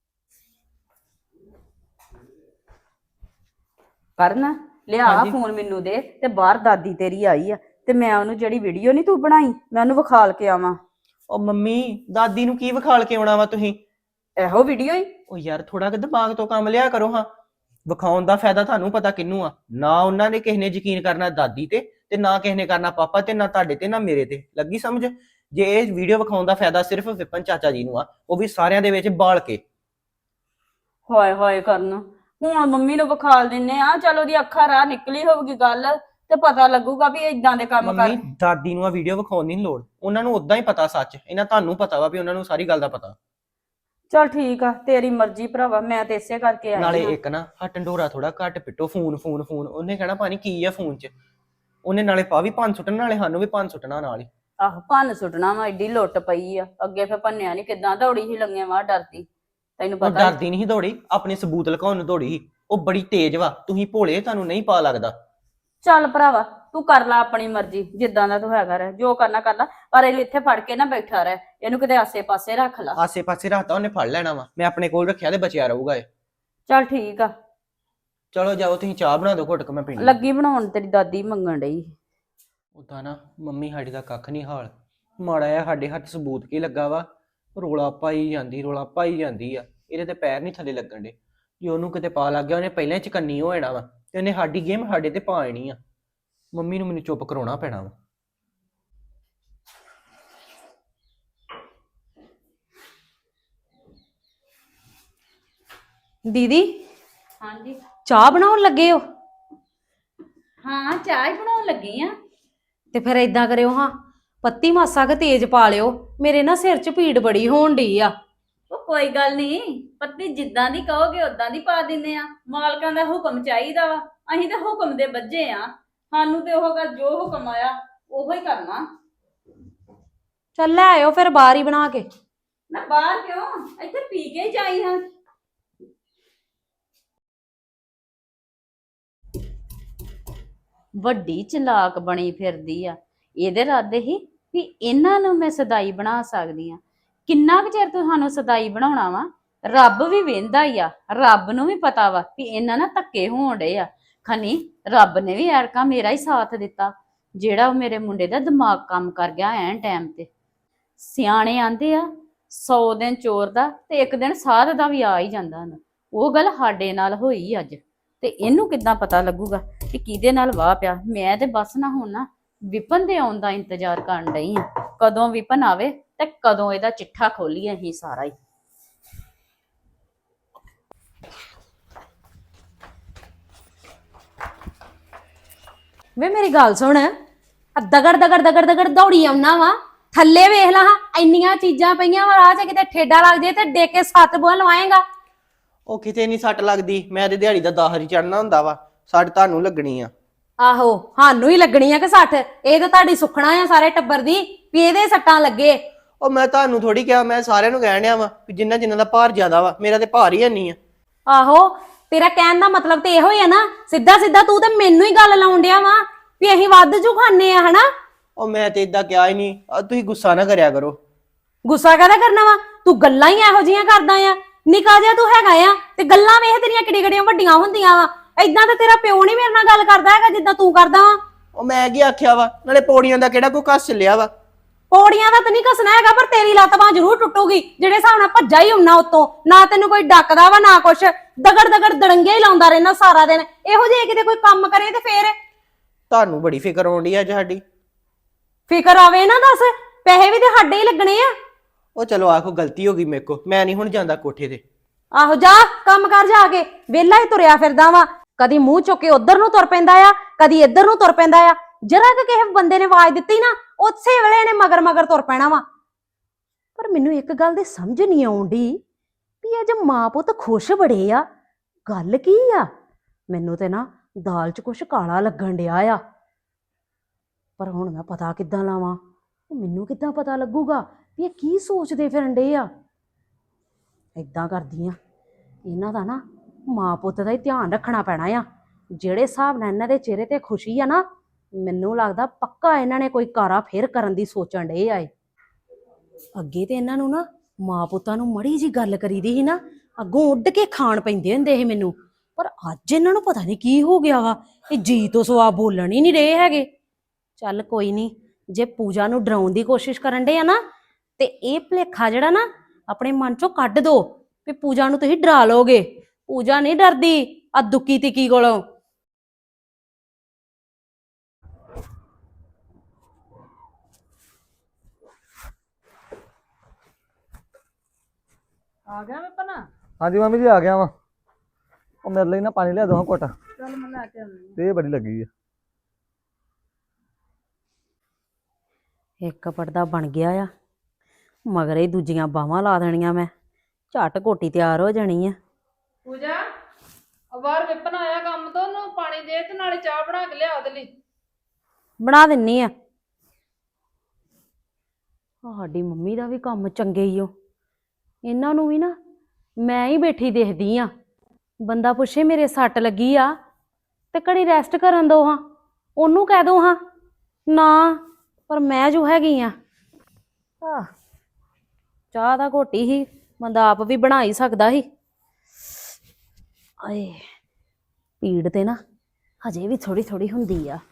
Speaker 1: ਕਰਨ ਲਿਆ
Speaker 2: ਹਾਂਜੀ।
Speaker 1: ਫੋਨ ਮੈਨੂੰ ਦੇ ਤੇ ਬਾਹਰ ਦਾਦੀ ਤੇਰੀ ਆਈ ਆ ਤੇ ਮੈਂ ਉਹਨੂੰ ਜਿਹੜੀ ਵੀਡੀਓ ਨਹੀਂ ਤੂੰ ਬਣਾਈ ਮੈਂ ਉਹਨੂੰ ਵਿਖਾਲ ਕੇ ਆਵਾਂ।
Speaker 2: ਉਹ ਮੰਮੀ ਦਾਦੀ ਨੂੰ ਕੀ ਵਿਖਾਲ ਕੇ ਆਉਣਾ ਵਾ ਤੁਸੀਂ?
Speaker 1: ਇਹੋ ਵੀਡੀਓ ਹੀ।
Speaker 2: ਉਹ ਯਾਰ ਥੋੜਾ ਕਿ ਦਿਮਾਗ ਤੋਂ ਕੰਮ ਲਿਆ ਕਰੋ ਹਾਂ। ਵਿਖਾਉਣ ਦਾ ਫਾਇਦਾ ਤੁਹਾਨੂੰ ਪਤਾ ਕਿਹਨੂੰ ਆ? ਨਾ ਉਹਨਾਂ ਨੇ ਕਿਸੇ ਨੇ ਯਕੀਨ ਕਰਨਾ ਦਾਦੀ ਤੇ ਤੇ ਨਾ ਕਿਸੇ ਨੇ ਕਰਨਾ ਪਾਪਾ ਤੇ, ਨਾ ਤੁਹਾਡੇ ਤੇ ਨਾ ਮੇਰੇ ਤੇ। ਲੱਗੀ ਸਮਝ? ਜੇ ਇਹ ਵੀਡੀਓ ਵਿਖਾਉਣ ਦਾ ਫਾਇਦਾ ਸਿਰਫ ਵਿਪਨ ਚਾਚਾ ਜੀ ਨੂੰ ਆ, ਉਹ ਵੀ ਸਾਰਿਆਂ ਦੇ ਵਿੱਚ ਬਾਲ ਕੇ।
Speaker 1: ਹਾਏ ਹਾਏ ਕਰਨ ਹੁਣ ਮੰਮੀ ਨੂੰ ਵਿਖਾਲ ਦਿੰਨੇ ਆ, ਚਲ ਉਹਦੀ ਅੱਖਾਂ ਰਾਹ ਨਿਕਲੀ ਹੋਊਗੀ ਗੱਲ ਤੇ ਪਤਾ ਲੱਗੂਗਾ ਵੀ ਇਦਾਂ ਦੇ ਕੰਮ ਕਰ।
Speaker 2: ਮੰਮੀ ਦਾਦੀ ਨੂੰ ਆ ਵੀਡੀਓ ਵਿਖਾਉਣ ਦੀ ਨੀ ਲੋੜ, ਉਹਨਾਂ ਨੂੰ ਉਦਾਂ ਹੀ ਪਤਾ ਸੱਚ। ਇਹਨਾਂ ਤੁਹਾਨੂੰ ਪਤਾ ਵਾ ਵੀ ਉਹਨਾਂ ਨੂੰ ਸਾਰੀ ਗੱਲ ਦਾ ਪਤਾ।
Speaker 1: ਚਲ ਠੀਕ ਆ ਤੇਰੀ ਮਰਜ਼ੀ ਭਰਾਵਾ, ਮੈਂ ਤੇ ਇਸੇ ਕਰਕੇ ਆਈ
Speaker 2: ਨਾਲੇ
Speaker 1: ਹਾਂ।
Speaker 2: ਇੱਕ ਨਾ ਹਾ ਢੰਡੋਰਾ ਥੋੜਾ ਘੱਟ ਪਿੱਟੋ, ਫੋਨ ਫੋਨ ਫੋਨ। ਉਹਨੇ ਕਹਿਣਾ ਪਾਣੀ ਕੀ ਆ ਫੋਨ 'ਚ। ਉਹਨੇ ਨਾਲੇ ਪਾ ਵੀ ਪੰਨ ਸੁੱਟਣ, ਨਾਲੇ ਸਾਨੂੰ ਵੀ ਪੰਨ ਸੁੱਟਣਾ ਨਾਲ ਹੀ।
Speaker 1: ਆਹੋ ਭੰਨ ਸੁੱਟਣਾ ਵਾ, ਐਡੀ ਲੁੱਟ ਪਈ ਆ। ਅੱਗੇ ਫੇ ਭੰਨਿਆ ਨੀ, ਕਿਦਾਂ ਦੌੜੀ ਸੀ ਲੰਗਿਆਂ ਵਾਂ ਡਰਦੀ, ਤੈਨੂੰ
Speaker 2: ਉਹ
Speaker 1: ਪਤਾ ਹੀ।
Speaker 2: ਡਰਦੀ ਨਹੀਂ ਦੌੜੀ, ਆਪਣੇ ਸਬੂਤ ਲੁਕਾਉਣ ਨੂੰ ਦੌੜੀ ਸੀ। ਉਹ ਬੜੀ ਤੇਜ਼ ਵਾ, ਤੁਸੀਂ ਭੋਲੇ, ਤੁਹਾਨੂੰ ਨਹੀਂ ਪਾ ਲੱਗਦਾ।
Speaker 1: ਚੱਲ ਭਰਾਵਾ ਤੂੰ ਕਰ ਲੈ ਆਪਣੀ ਮਰਜ਼ੀ, ਜਿੱਦਾਂ ਦਾ ਤੂੰ ਹੈਗਾ ਰਹਿ, ਜੋ ਕਰਨਾ ਕਰ ਲੈ, ਪਰ ਇਹ ਇੱਥੇ ਫੜ ਕੇ ਨਾ ਬੈਠਾ ਰਹਿ, ਇਹਨੂੰ ਕਿਤੇ ਆਸੇ ਪਾਸੇ ਰੱਖ ਲਾ।
Speaker 2: ਆਸੇ ਪਾਸੇ ਰੱਖਤਾ ਉਹਨੇ ਫੜ ਲੈਣਾ ਵਾ, ਮੈਂ ਆਪਣੇ ਕੋਲ ਰੱਖਿਆ ਤੇ ਬਚਿਆ ਰਹੂਗਾ ਇਹ।
Speaker 1: ਚੱਲ ਠੀਕ ਆ,
Speaker 2: ਚਲੋ ਜਾਓ ਤੁਸੀਂ ਚਾਹ ਬਣਾ ਦਿਓ ਘੁੱਟ ਕੇ, ਮੈਂ ਪੀਣੀ।
Speaker 1: ਲੱਗੀ ਬਣਾਉਣ, ਤੇਰੀ ਦਾਦੀ ਮੰਗਣ ਡਈ।
Speaker 2: ਉਦਾਂ ਨਾ ਮੰਮੀ ਸਾਡੀ ਦਾ ਕੱਖ ਨਹੀਂ ਹਾਲ, ਮਾੜਾ ਜਿਹਾ ਸਾਡੇ ਹੱਥ ਸਬੂਤ ਕੀ ਲੱਗਾ ਵਾ, ਰੋਲਾ ਪਾਈ ਜਾਂਦੀ ਰੋਲਾ ਪਾਈ ਜਾਂਦੀ ਆ। ਇਹਦੇ ਤੇ ਪੈਰ ਨਹੀਂ ਥੱਲੇ ਲੱਗਣ ਦੇ। ਜੇ ਉਹਨੂੰ ਕਿਤੇ ਪਾ ਲੱਗ ਗਿਆ ਉਹਨੇ ਪਹਿਲਾਂ ਹੀ ਚਕੰਨੀ ਹੋ ਜਾਣਾ ਵਾ, ਤੇ ਉਹਨੇ ਸਾਡੀ ਗੇਮ ਸਾਡੇ ਤੇ ਪਾ ਆਣੀ ਆ। ਮੰਮੀ ਨੂੰ ਮੈਨੂੰ ਚੁੱਪ ਕਰਾਉਣਾ ਪੈਣਾ ਵਾ।
Speaker 5: ਦੀਦੀ
Speaker 1: ਹਾਂਜੀ
Speaker 5: ਚਾਹ ਬਣਾਉਣ ਲੱਗੇ ਹੋ?
Speaker 1: ਹਾਂ ਚਾਹ ਹੀ ਬਣਾਉਣ ਲੱਗੀ ਆ।
Speaker 5: ਤੇ ਫਿਰ ਏਦਾਂ ਕਰਿਓ ਹਾਂ, ਪੱਤੀ ਮਾਸਾ ਕੁ ਤੇਜ਼ ਪਾ ਲਿਓ, ਮੇਰੇ ਨਾ ਸਿਰ 'ਚ ਪੀੜ ਬੜੀ ਹੋਣ ਡਈ ਆ।
Speaker 1: ਉਹ ਕੋਈ ਗੱਲ ਨਹੀਂ, ਪੱਤੀ ਜਿੱਦਾਂ ਦੀ ਕਹੋਗੇ ਉਦਾਂ ਦੀ ਪਾ ਦਿੰਨੇ ਆ। ਮਾਲਕਾਂ ਦਾ ਹੁਕਮ ਚਾਹੀਦਾ ਵਾ, ਅਸੀਂ ਤਾਂ ਹੁਕਮ ਦੇ ਬੱਝੇ ਆ। ਸਾਨੂੰ ਤੇ ਉਹ ਗੱਲ ਜੋ ਹੁਕਮ ਆਇਆ ਉਹੋ ਹੀ ਕਰਨਾ।
Speaker 5: ਚੱਲ ਲੈ ਆਇਓ ਫਿਰ ਬਾਹਰ ਹੀ ਬਣਾ ਕੇ।
Speaker 1: ਨਾ ਬਾਹਰ ਕਿਉਂ, ਇੱਥੇ ਪੀ ਕੇ ਹੀ ਜਾਈ ਹਾਂ। ਵੱਡੀ ਚਲਾਕ ਬਣੀ ਫਿਰਦੀ ਆ। ਇਹਦੇ ਇਰਾਦੇ ਹੀ ਵੀ ਇਹਨਾਂ ਨੂੰ ਮੈਂ ਸਦਾਈ ਬਣਾ ਸਕਦੀ ਆ। ਕਿੰਨਾ ਕੁ ਚਿਰ ਤੁਹਾਨੂੰ ਸਦਾਈ ਬਣਾਉਣਾ ਵਾ? ਰੱਬ ਵੀ ਵੇਂਦਾ ਹੀ ਆ, ਰੱਬ ਨੂੰ ਵੀ ਪਤਾ ਵਾ ਵੀ ਇਹਨਾਂ ਨਾਲ ਧੱਕੇ ਹੋਣ ਡੇ ਆ। ਖਨੀ ਰੱਬ ਨੇ ਵੀ ਐਰਕਾ ਮੇਰਾ ਹੀ ਸਾਥ ਦਿੱਤਾ, ਜਿਹੜਾ ਉਹ ਮੇਰੇ ਮੁੰਡੇ ਦਾ ਦਿਮਾਗ ਕੰਮ ਕਰ ਗਿਆ ਐਨ ਟਾਈਮ ਤੇ। ਸਿਆਣੇ ਆਂਦੇ ਆ ਸੌ ਦਿਨ ਚੋਰ ਦਾ ਤੇ ਇੱਕ ਦਿਨ ਸਾਧ ਦਾ ਵੀ ਆ ਹੀ ਜਾਂਦਾ ਹੁੰਦਾ। ਉਹ ਗੱਲ ਸਾਡੇ ਨਾਲ ਹੋਈ ਅੱਜ, ਤੇ ਇਹਨੂੰ ਕਿੱਦਾਂ ਪਤਾ ਲੱਗੂਗਾ ਕਿ ਕਿਹਦੇ ਨਾਲ ਵਾਹ ਪਿਆ। ਮੈਂ ਤੇ ਬਸ ਨਾ ਹੁਣ ਨਾ ਵਿਪਨ ਦੇ ਆਉਣ ਦਾ ਇੰਤਜ਼ਾਰ ਕਰਨ ਡਈ ਆ, ਕਦੋਂ ਵਿਪਨ ਆਵੇ ਤੇ ਕਦੋਂ ਇਹਦਾ ਚਿੱਠਾ ਖੋਲੀਏ ਅਸੀਂ ਸਾਰਾ ਹੀ।
Speaker 5: ਵੇ ਮੇਰੀ ਗੱਲ ਸੁਣ, ਆ ਦਗੜ ਦਗੜ ਦਗੜ ਦਗੜ ਦੌੜੀ ਆਉਣਾ ਵਾ, ਥੱਲੇ ਵੇਖ ਲਾ ਹਾਂ, ਇੰਨੀਆਂ ਚੀਜ਼ਾਂ ਪਈਆਂ ਵਾ ਰਾਹ 'ਚ, ਕਿਤੇ ਠੇਡਾ ਲੱਗ ਜੇ ਤੇ ਡੇ ਕੇ ਸੱਤ ਬੂਹਾ ਲਵਾਏਗਾ।
Speaker 2: ਉਹ ਕਿਤੇ ਨਹੀਂ ਸੱਟ ਲੱਗਦੀ, ਮੈਂ ਤੇ ਦਿਹਾੜੀ ਦਾ ਦਾਹਰ ਹੀ ਚੜਨਾ ਹੁੰਦਾ ਵਾ, ਸੱਟ ਤੁਹਾਨੂੰ ਲੱਗਣੀ ਆ।
Speaker 5: ਆਹੋ ਸਾਨੂੰ ਹੀ ਲੱਗਣੀ ਆ ਕਿ ਸੱਠ, ਇਹ ਤਾਂ ਤੁਹਾਡੀ ਸੁਖਣਾ ਆ ਸਾਰੇ ਟੱਬਰ ਦੀ ਵੀ ਇਹਦੇ ਸੱਟਾਂ ਲੱਗੇ।
Speaker 2: ਉਹ ਮੈਂ ਤੁਹਾਨੂੰ ਥੋੜੀ ਕਿਹਾ, ਮੈਂ ਸਾਰਿਆਂ ਨੂੰ ਕਹਿਣ ਡਿਆ ਵਾ ਵੀ ਜਿੰਨਾ ਜਿੰਨਾ ਦਾ ਭਾਰ ਜ਼ਿਆਦਾ ਵਾ, ਮੇਰਾ ਤੇ ਭਾਰ ਹੀ ਨਹੀਂ ਆ।
Speaker 5: ਆਹੋ ਤੇਰਾ ਕਹਿਣ ਦਾ ਮਤਲਬ ਤੇ ਇਹੋ ਹੀ ਆ ਨਾ, ਸਿੱਧਾ ਸਿੱਧਾ ਤੂੰ ਤੇ ਮੈਨੂੰ ਹੀ ਗੱਲ ਲਾਉਣ ਡਿਆ ਵਾ ਵੀ ਅਸੀਂ ਵੱਧ ਜੂ ਖਾਣੇ ਆ ਹਨਾ।
Speaker 2: ਉਹ ਮੈਂ ਤੇ ਇਦਾਂ ਕਿਹਾ ਹੀ ਨਹੀਂ, ਤੁਸੀਂ ਗੁੱਸਾ ਨਾ ਕਰਿਆ ਕਰੋ।
Speaker 5: ਗੁੱਸਾ ਕਾਹਦਾ ਕਰਨਾ ਵਾ, ਤੂੰ ਗੱਲਾਂ ਹੀ ਇਹੋ ਜੀਆਂ ਕਰਦਾ ਆ, ਨਿਕਾ ਜਿਹਾ ਤੂੰ ਹੈਗਾ ਆ, ਤੇ ਗੱਲਾਂ ਵੇਖ ਤੇਰੀਆਂ ਕਿੱਡੀ ਕਿੱਡੀਆਂ ਵੱਡੀਆਂ ਹੁੰਦੀਆਂ ਵਾ। ਏਦਾਂ ਤਾਂ ਤੇਰਾ ਪਿਓ ਨਹੀਂ ਮੇਰੇ ਨਾਲ ਗੱਲ ਕਰਦਾ ਹੈਗਾ ਜਿੱਦਾਂ ਤੂੰ ਕਰਦਾ ਵਾ।
Speaker 2: ਉਹ ਮੈਂ ਕੀ ਆਖਿਆ ਵਾ, ਨਾਲੇ ਪੌੜੀਆਂ ਦਾ ਕਿਹੜਾ ਕੋਈ ਕੱਸ ਚੱਲਿਆ ਵਾ।
Speaker 5: ਪੌੜੀਆਂ ਦਾ ਤਾਂ ਨਹੀਂ ਘਸਣਾ ਹੈਗਾ, ਪਰ ਤੇਰੀ ਲੱਤ ਬਾਂਹ ਜ਼ਰੂਰ ਟੁੱਟੂਗੀ ਜਿਹੜੇ ਹਿਸਾਬ ਨਾਲ ਭੱਜਾ ਹੀ ਹੁੰਨਾ ਉੱਤੋਂ। ਨਾ ਤੈਨੂੰ ਕੋਈ ਡੱਕਦਾ ਵਾ ਨਾ ਕੁਛ, ਦਗੜ ਦਗੜ ਦੜੰਗੇ ਹੀ ਲਾਉਂਦਾ ਰਹਿਣਾ ਸਾਰਾ ਦਿਨ। ਇਹੋ ਜਿਹੇ ਕਿਤੇ ਕੋਈ ਕੰਮ ਕਰੇ ਤੇ ਫੇਰ
Speaker 2: ਤੁਹਾਨੂੰ ਬੜੀ ਫਿਕਰ ਆਉਂਦੀ ਆ ਅੱਜ ਸਾਡੀ।
Speaker 5: ਫਿਕਰ ਆਵੇ ਨਾ, ਦੱਸ ਪੈਸੇ ਵੀ ਤੇ ਸਾਡੇ ਹੀ ਲੱਗਣੇ ਆ।
Speaker 2: ਉਹ ਚਲੋ ਆਖੋ ਗਲਤੀ ਹੋ ਗਈ ਮੇਰੇ ਕੋ, ਮੈਂ ਨਹੀਂ ਹੁਣ ਜਾਂਦਾ ਕੋਠੇ ਤੇ।
Speaker 5: ਆਹੋ ਜਾ ਕੰਮ ਕਰ ਜਾ ਕੇ, ਵਿਹਲਾ ਹੀ ਤੁਰਿਆ ਫਿਰਦਾ ਵਾ, ਕਦੀ ਮੂੰਹ ਚੁੱਕ ਕੇ ਉਧਰ ਨੂੰ ਤੁਰ ਪੈਂਦਾ ਆ, ਕਦੀ ਇੱਧਰ ਨੂੰ ਤੁਰ ਪੈਂਦਾ ਆ। ਜਰਾ ਕਿ ਕਿਸੇ ਬੰਦੇ ਨੇ ਆਵਾਜ਼ ਦਿੱਤੀ ਨਾ, ਉਸੇ ਵੇਲੇ ਇਹਨੇ ਮਗਰ ਮਗਰ ਤੁਰ ਪੈਣਾ ਵਾ। ਪਰ ਮੈਨੂੰ ਇੱਕ ਗੱਲ ਦੀ ਸਮਝ ਨਹੀਂ ਆਉਂਦੀ ਵੀ ਅੱਜ ਮਾਂ ਪੁੱਤ ਖੁਸ਼ ਬੜੇ ਆ, ਗੱਲ ਕੀ ਆ? ਮੈਨੂੰ ਤੇ ਨਾ ਦਾਲ 'ਚ ਕੁਛ ਕਾਲਾ ਲੱਗਣ ਡਿਆ ਆ, ਪਰ ਹੁਣ ਮੈਂ ਪਤਾ ਕਿੱਦਾਂ ਲਾਵਾਂ? ਮੈਨੂੰ ਕਿੱਦਾਂ ਪਤਾ ਲੱਗੂਗਾ ਵੀ ਇਹ ਕੀ ਸੋਚਦੇ ਫਿਰਨ ਡੇ ਆ? ਏਦਾਂ ਕਰਦੀ ਆ, ਇਹਨਾਂ ਦਾ ਨਾ ਮਾਂ ਪੁੱਤ ਦਾ ਹੀ ਧਿਆਨ ਰੱਖਣਾ ਪੈਣਾ ਆ। ਜਿਹੜੇ ਹਿਸਾਬ ਨਾਲ ਇਹਨਾਂ ਦੇ ਚਿਹਰੇ ਤੇ ਖੁਸ਼ੀ ਆ ਨਾ, ਮੈਨੂੰ ਲੱਗਦਾ ਪੱਕਾ ਇਹਨਾਂ ਨੇ ਕੋਈ ਕਾਰਾ ਫੇਰ ਕਰਨ ਦੀ ਸੋਚਣ ਡੇ ਆਏ। ਅੱਗੇ ਤੇ ਇਹਨਾਂ ਨੂੰ ਨਾ ਮਾਂ ਪੁੱਤਾਂ ਨੂੰ ਮੜੀ ਜੀ ਗੱਲ ਕਰੀਦੀ ਸੀ ਨਾ, ਅੱਗੋਂ ਉੱਡ ਕੇ ਖਾਣ ਪੈਂਦੇ ਹੁੰਦੇ ਸੀ ਮੈਨੂੰ। ਪਰ ਅੱਜ ਇਹਨਾਂ ਨੂੰ ਪਤਾ ਨਹੀਂ ਕੀ ਹੋ ਗਿਆ ਵਾ, ਇਹ ਜੀ ਤੋਂ ਸਵਾ ਬੋਲਣ ਹੀ ਨਹੀਂ ਰਹੇ ਹੈਗੇ। ਚੱਲ ਕੋਈ ਨਹੀਂ, ਜੇ ਪੂਜਾ ਨੂੰ ਡਰਾਉਣ ਦੀ ਕੋਸ਼ਿਸ਼ ਕਰਨ ਦੇ ਆ ਨਾ, ਤੇ ਇਹ ਭੁਲੇਖਾ ਜਿਹੜਾ ਨਾ ਆਪਣੇ ਮਨ ਚੋਂ ਕੱਢ ਦੋ ਵੀ ਪੂਜਾ ਨੂੰ ਤੁਸੀਂ ਡਰਾ ਲੋਗੇ। ਪੂਜਾ ਨਹੀਂ ਡਰਦੀ ਆ ਦੁੱਕੀ ਤਿੱਕੀ ਕੋਲੋਂ।
Speaker 4: ਆ ਗਿਆ ਵਿਪਨ?
Speaker 6: ਹਾਂਜੀ ਮੰਮੀ ਜੀ ਆ ਗਿਆ ਵਾ। ਉਹ ਮੇਰੇ ਲਈ ਨਾ ਪਾਣੀ ਲਿਆ ਦੋ ਘੁੱਟ,
Speaker 4: ਚੱਲ ਮੈਂ ਲੈ ਕੇ ਆਉਂਦੀ
Speaker 6: ਤੇ ਬੜੀ ਲੱਗੀ ਆ।
Speaker 5: ਇੱਕ ਪੜਦਾ ਬਣ ਗਿਆ ਆ, ਮਗਰ ਹੀ ਦੂਜੀਆਂ ਬਾਹਾਂ ਲਾ ਦੇਣੀਆਂ ਮੈਂ, ਝੱਟ ਕੋਟੀ ਤਿਆਰ ਹੋ ਜਾਣੀ ਆ।
Speaker 4: ਪੂਜਾ, ਆ ਬਾਹਰ ਵਿਪਨ ਆਇਆ ਕੰਮ ਤੋਂ, ਉਹਨੂੰ ਪਾਣੀ ਦੇ ਤੇ ਨਾਲੇ ਚਾਹ ਬਣਾ ਕੇ ਲਿਆ ਉਹਦੇ ਲਈ।
Speaker 5: ਬਣਾ ਦਿੰਨੀ ਆ। ਸਾਡੀ ਮੰਮੀ ਦਾ ਵੀ ਕੰਮ ਚੰਗੇ ਹੀ ਓ, ਇਹਨਾਂ ਨੂੰ ਵੀ ਨਾ ਮੈਂ ਹੀ ਬੈਠੀ ਦੇਖਦੀ ਆ। ਬੰਦਾ ਪੁੱਛੇ ਮੇਰੇ ਸੱਟ ਲੱਗੀ ਆ ਤੇ ਘੜੀ ਰੈਸਟ ਕਰਨ ਦੋ ਹਾਂ, ਉਹਨੂੰ ਕਹਿ ਦੋ ਹਾਂ ਨਾ, ਪਰ ਮੈਂ ਜੋ ਹੈਗੀ ਆ। ਆਹ ਚਾਹ ਦਾ ਘੋਟੀ ਹੀ ਬੰਦਾ ਆਪ ਵੀ ਬਣਾ ਹੀ ਸਕਦਾ ਸੀ। ਆਏ ਪੀੜ ਤੇ ਨਾ ਹਜੇ ਵੀ ਥੋੜੀ ਥੋੜੀ ਹੁੰਦੀ ਆ।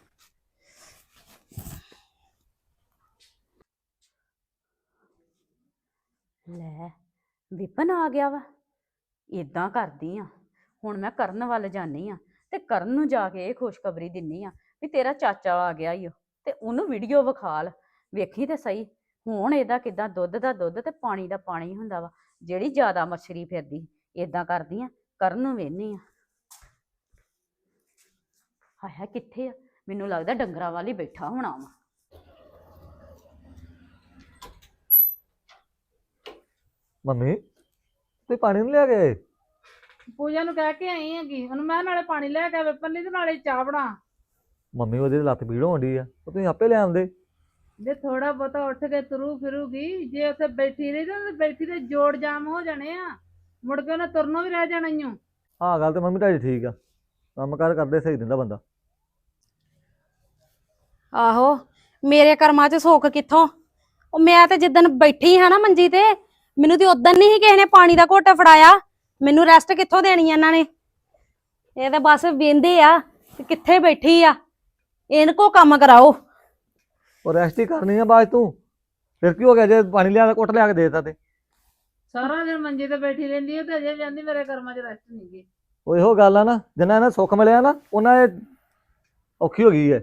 Speaker 5: ਲੈ ਵਿਪਨ ਆ ਗਿਆ ਵਾ।
Speaker 1: ਇਦਾਂ ਕਰਦੀ ਆ, ਹੁਣ ਮੈਂ ਕਰਨ ਵੱਲ ਜਾਨੀ ਆ ਤੇ ਕਰਨ ਨੂੰ ਜਾ ਕੇ ਇਹ ਖੁਸ਼ਖਬਰੀ ਦਿੰਨੀ ਆ ਵੀ ਤੇਰਾ ਚਾਚਾ ਆ ਗਿਆ ਈ ਓ, ਤੇ ਉਹਨੂੰ ਵੀਡੀਓ ਵਿਖਾਲ, ਵੇਖੀ ਤੇ ਸਹੀ ਹੁਣ ਇਹਦਾ ਕਿਦਾਂ ਦੁੱਧ ਦਾ ਦੁੱਧ ਤੇ ਪਾਣੀ ਦਾ ਪਾਣੀ ਹੁੰਦਾ ਵਾ, ਜਿਹੜੀ ਜ਼ਿਆਦਾ ਮੱਛਰੀ ਫਿਰਦੀ। ਇਦਾਂ ਕਰਦੀ ਆ, ਕਰਨ ਨੂੰ ਵੇਹਨੀ ਆ। ਹਾਏ ਹਾਏ ਕਿੱਥੇ ਆ? ਮੈਨੂੰ ਲੱਗਦਾ ਡੰਗਰਾਂ ਵਾਲੀ ਬੈਠਾ ਹੋਣਾ ਵਾ।
Speaker 6: ਮੰਮੀ ਤੇ ਪਾਣੀ ਨਹੀਂ ਲਿਆ ਗਏ?
Speaker 4: ਪੂਜਾ ਨੂੰ ਕਹਿ ਕੇ ਆਈ ਹੈਗੀ, ਉਹਨੂੰ ਮੈਂ ਨਾਲੇ ਪਾਣੀ ਲੈ ਕੇ ਵਿਪਨ ਲਈ ਤੇ ਨਾਲੇ ਚਾਹ ਬਣਾ।
Speaker 6: ਮੰਮੀ ਉਹਦੀ ਲੱਤ ਪੀੜ ਹੋਣ ਡਈ ਆ, ਉਹ ਤੁਸੀਂ ਆਪੇ ਲੈ ਆਉਂਦੇ।
Speaker 4: ਜੇ ਥੋੜਾ ਬਹੁਤਾ ਉੱਠ ਕੇ ਤੁਰੂ ਫਿਰੂਗੀ, ਜੇ ਉੱਥੇ ਬੈਠੀ ਰਹੀ ਤਾਂ ਬੈਠੀ ਤੇ ਜੋੜ ਜਾਮ ਹੋ ਜਾਣੇ ਆ, ਮੁੜ ਕੇ ਉਹਨੇ ਤੁਰਨੋਂ ਵੀ ਰਹਿ ਜਾਣਾ ਈ ਓ।
Speaker 6: ਆਹ ਗੱਲ ਤੇ ਮੰਮੀ ਤੁਹਾਡੀ ਠੀਕ ਆ, ਕੰਮ ਕਾਰ ਕਰਦੇ ਸਹੀ ਦਿੰਦਾ ਬੰਦਾ।
Speaker 5: ਆਹੋ ਮੇਰੇ ਕਰਮਾਂ 'ਚ ਸੁੱਖ ਕਿੱਥੋਂ? ਉਹ ਮੈਂ ਤੇ ਜਿੱਦਣ ਬੈਠੀ ਹਾਂ ਨਾ ਮੰਜੀ ਤੇ, ਮੈਨੂੰ ਤੇ ਉਦਣ ਨਹੀਂ ਕਿਸੇ ਨੇ ਪਾਣੀ ਦਾ ਘੁੱਟ ਫੜਾਇਆ। ਮੈਨੂੰ ਰੈਸਟ ਕਿੱਥੋਂ ਦੇਣੀ ਇਹਨਾਂ ਨੇ? ਇਹ ਤਾਂ ਬਸ ਵੇਂਦੇ ਆ ਕਿ ਕਿੱਥੇ ਬੈਠੀ ਆ, ਇਹਨ ਕੋ ਕੰਮ ਕਰਾਓ।
Speaker 6: ਉਹ ਰੈਸਟ ਹੀ ਕਰਨੀ ਆ ਬਾਅਦ ਤੂੰ, ਫਿਰ ਕੀ ਹੋ ਗਿਆ ਜੇ ਪਾਣੀ ਲਿਆ ਘੁੱਟ ਲਿਆ ਕੇ ਦੇਤਾ ਤੇ?
Speaker 4: ਸਾਰਾ ਦਿਨ ਮੰਜੇ ਤੇ ਬੈਠੀ ਰਹਿੰਦੀ ਹੈ ਤੇ ਅਜੇ ਵੀ ਕਹਿੰਦੀ ਮੇਰੇ ਕਰਮਾਂ 'ਚ ਰੈਸਟ ਨਹੀਂ ਗਈ।
Speaker 6: ਉਹ ਇਹੋ ਗੱਲ ਆ ਨਾ, ਜਿੰਨਾ ਇਹਨਾਂ ਸੁੱਖ ਮਿਲਿਆ ਨਾ ਉਹਨਾਂ ਇਹ ਔਖੀ ਹੋ ਗਈ ਹੈ।